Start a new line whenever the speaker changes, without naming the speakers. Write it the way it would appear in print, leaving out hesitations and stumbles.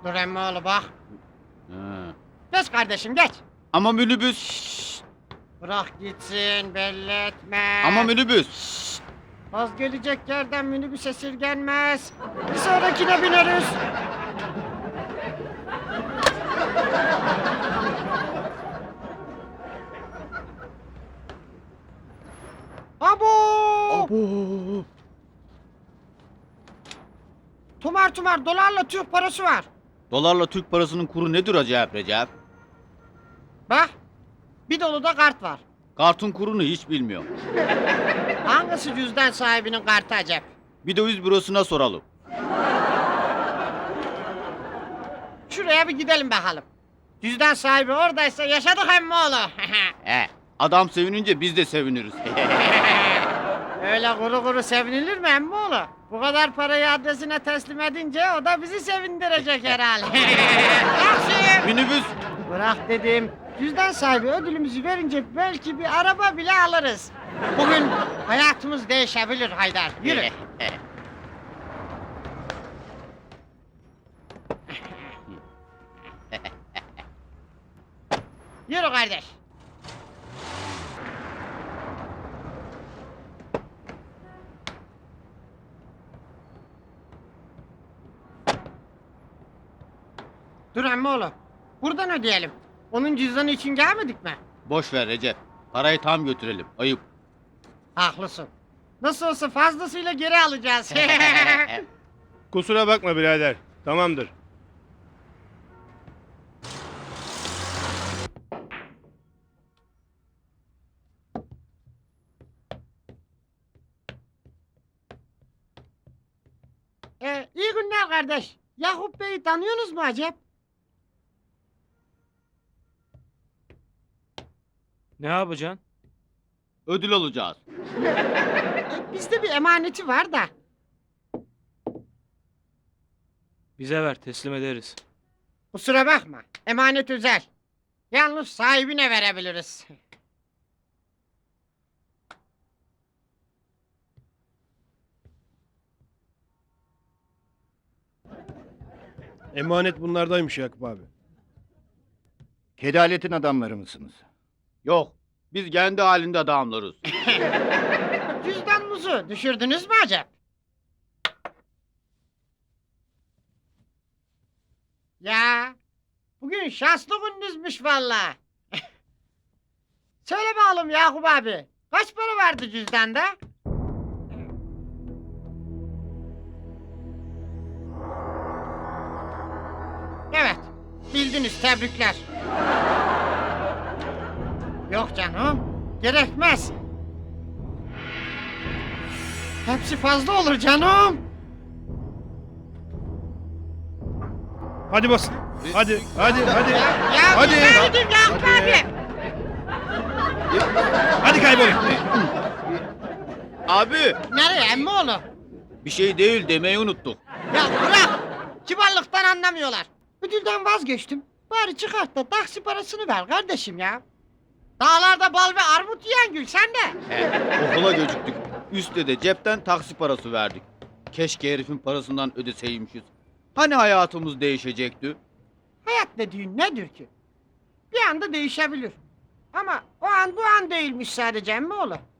Dur emmoğlu bak.
Ha.
Geç kardeşim geç.
Ama minibüs.
Bırak gitsin belli etme.
Ama minibüs.
Az gelecek yerden minibüs esirgenmez. Bir sonrakine bineriz. Abo!
Abo.
Tumar tumar dolarla Türk parası var.
Dolarla Türk parasının kuru nedir acayip Recep?
Bak bir dolu da kart var.
Kartın kurunu hiç bilmiyorum.
Hangisi cüzdan sahibinin kartı acep?
Bir döviz bürosuna soralım.
Şuraya bir gidelim bakalım. Cüzdan sahibi oradaysa yaşadık emmoğlu.
Adam sevinince biz de seviniriz.
Öyle kuru kuru sevinilir mi emmoğlu? Bu kadar parayı adresine teslim edince o da bizi sevindirecek herhalde. Taksim!
Minibüs.
Bırak dedim. Cüzdan sahibi ödülümüzü verince belki bir araba bile alırız. Bugün hayatımız değişebilir Haydar. Yürü. Yürü kardeş. Dur emmoğlu. Buradan ödeyelim. Onun cüzdanı için gelmedik mi?
Boş ver Recep. Parayı tam götürelim. Ayıp.
Haklısın. Nasıl olsa fazlasıyla geri alacağız.
Kusura bakma birader. Tamamdır.
İyi günler kardeş. Yakup Bey'i tanıyorsunuz mu acep?
Ne yapacaksın?
Ödül alacağız.
Bizde bir emaneti var da.
Bize ver, teslim ederiz.
Kusura bakma. Emanet özel. Yalnız sahibine verebiliriz.
Emanet bunlardaymış Yakup abi.
Kedaletin adamları mısınız?
Yok. Biz kendi halinde adamlarız.
Cüzdanınızı düşürdünüz mü acep? Ya, bugün şanslı gününüzmüş valla. Söyle bakalım Yakup abi. Kaç para vardı cüzdanda? Evet, bildiniz tebrikler. Yok canım, gerekmez. Hepsi fazla olur canım.
Hadi basın. Hadi.
Ya
Hadi.
güzel gidin Yakup abi.
Hadi kaybolun.
Abi.
Nereye emmoğlu?
Bir şey değil demeyi unuttuk.
Ya bırak! Kibarlıktan anlamıyorlar. Ödülden vazgeçtim. Bari çıkart da taksi parasını ver kardeşim ya. Dağlarda bal ve armut yiyen gül sen de.
Okula geciktik. Üste de cepten taksi parası verdik. Keşke herifin parasından ödeseymişiz. Hani hayatımız değişecekti?
Hayat dediğin nedir ki? Bir anda değişebilir. Ama o an bu an değilmiş sadece emmoğlu.